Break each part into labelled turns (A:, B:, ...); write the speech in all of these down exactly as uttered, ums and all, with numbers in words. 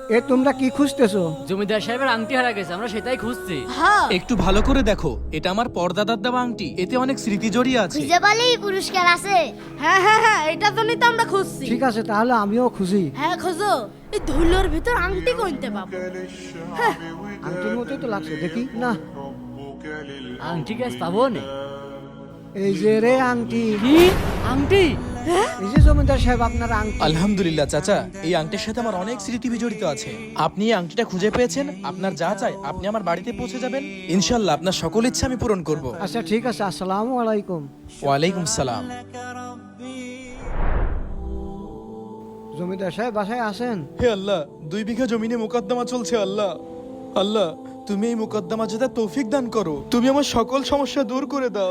A: এ তোমরা কি খুঁজতেছো?
B: জমিদার সাহেবের আংটি হারা গেছে, আমরা সেটাই খুঁজছি।
C: হ্যাঁ,
D: একটু ভালো করে দেখো, এটা আমার পরদাদার দেওয়া আংটি, এতে অনেক স্মৃতি জড়িয়ে আছে।
E: খুঁজে পালেই পুরস্কার আছে।
C: হ্যাঁ হ্যাঁ হ্যাঁ, এটা জন্যই তো আমরা খুঁজছি।
A: ঠিক আছে, তাহলে আমিও খুশি।
C: হ্যাঁ খোঁজো, এই ধুলোর ভিতর আংটি কইতে পাবো।
A: আংটির মতোই তো লাগছে, দেখি না।
B: আংটি গ্যাস পাবো না।
A: এই যে রে আংটি,
B: কি আংটি?
A: এই যে জমিদার সাহেব আপনার আংটি।
D: আলহামদুলিল্লাহ চাচা, এই আংটির সাথে আমার অনেক স্মৃতি জড়িত আছে। আপনি এই আংটিটা খুঁজে পেয়েছেন, আপনার যা চাই আপনি আমার বাড়িতে পৌঁছে যাবেন, ইনশাল্লাহ আপনার সকল ইচ্ছা আমি পূরণ করব।
A: আচ্ছা ঠিক আছে, আসসালামু আলাইকুম।
D: ওয়ালাইকুম সালাম।
A: জমিদার সাহেব বাসায় আছেন?
D: হে আল্লাহ, দুই বিঘা জমিনে মোকদ্দমা চলছে। আল্লাহ আল্লাহ, তুমি এই মোকদ্দমা যেটা তৌফিক দান করো, তুমি আমার সকল সমস্যা দূর করে দাও।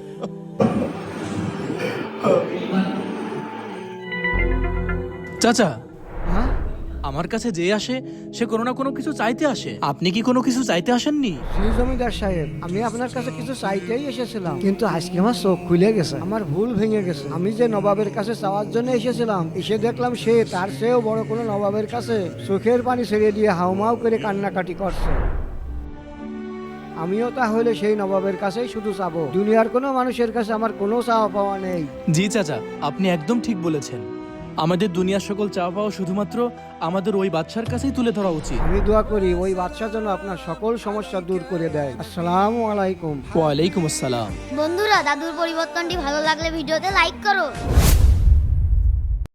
D: চাচা,
A: হ্যাঁ,
D: আমার কাছে যে আসে সে কোনো না কোনো কিছু চাইতে আসে, আপনি কি কোনো কিছু চাইতে আসেননি?
A: জি জমিদার সাহেব, আমি আপনার কাছে কিছু চাইতেই এসেছিলাম, কিন্তু আজকে আমার চোখ খুলে গেছে, আমার ভুল ভেঙে গেছে। আমি যে নবাবের কাছে চাওয়ার জন্য এসেছিলাম, এসে দেখলাম সে তার চেয়েও বড় কোনো নবাবের কাছে চোখের পানি ছেড়ে দিয়ে হাউমাউ করে কান্নাকাটি করছে। আমিও তাহলে সেই নবাবের কাছেই শুধু চাবো, দুনিয়ার কোনো মানুষের কাছে আমার কোনো চাওয়া পাওয়া নেই।
D: জি চাচা, আপনি একদম ঠিক বলেছেন। আমাদের দুনিয়ার সকল চাওয়া পাওয়া শুধুমাত্র আমাদের ওই বাদশার কাছেই তুলে ধরা উচিত।
A: আমি দোয়া করি ওই বাদশা যেন আপনার সকল সমস্যা দূর করে দেয়। আসসালামু আলাইকুম।
D: ওয়ালাইকুম আসসালাম।
E: বন্ধুরা, দাদুর পরিবর্তনটি ভালো লাগলে ভিডিওতে লাইক করো।